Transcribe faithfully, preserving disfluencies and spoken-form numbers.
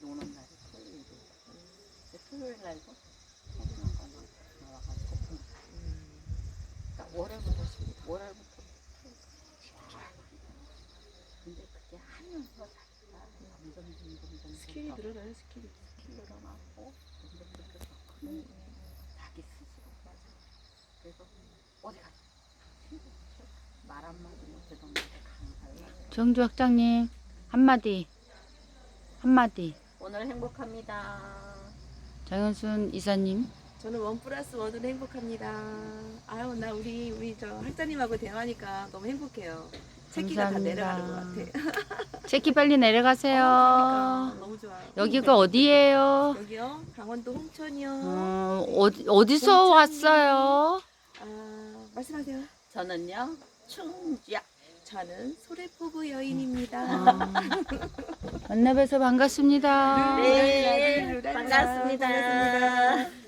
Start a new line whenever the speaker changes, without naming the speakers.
노는 날이 토요일이에요. 근데 토요일 날도 해주는 거만 나와가지고 분. 그러니까 월요일부터 월요일부터 근데 그게 하면서 자기가 점점 점점 점점
스킬이
더
늘어나요, 스킬이.
스킬 늘어나고 점점 점점 더 크는 자기 스스로. 그래서 어디 가서 말 한마디 못해도 나한테 강사를.
정주 학장님 한마디 한마디.
오늘 행복합니다.
장현순 이사님.
저는 원 플러스 원으로 행복합니다. 아유, 나 우리 우리 저 학자님하고 대화하니까 너무 행복해요. 새끼가 다 내려가는 것 같아.
체키 빨리 내려가세요.
그러니까 너무 좋아요.
여기가 어디예요?
여기요? 강원도 홍천이요.
어, 어디, 어디서
홍천이요.
왔어요?
아, 말씀하세요.
저는요 충주야.
저는 소래포구 여인입니다.
아, 만나뵈서 반갑습니다.
네,
룰랄라,
반갑습니다.
반갑습니다.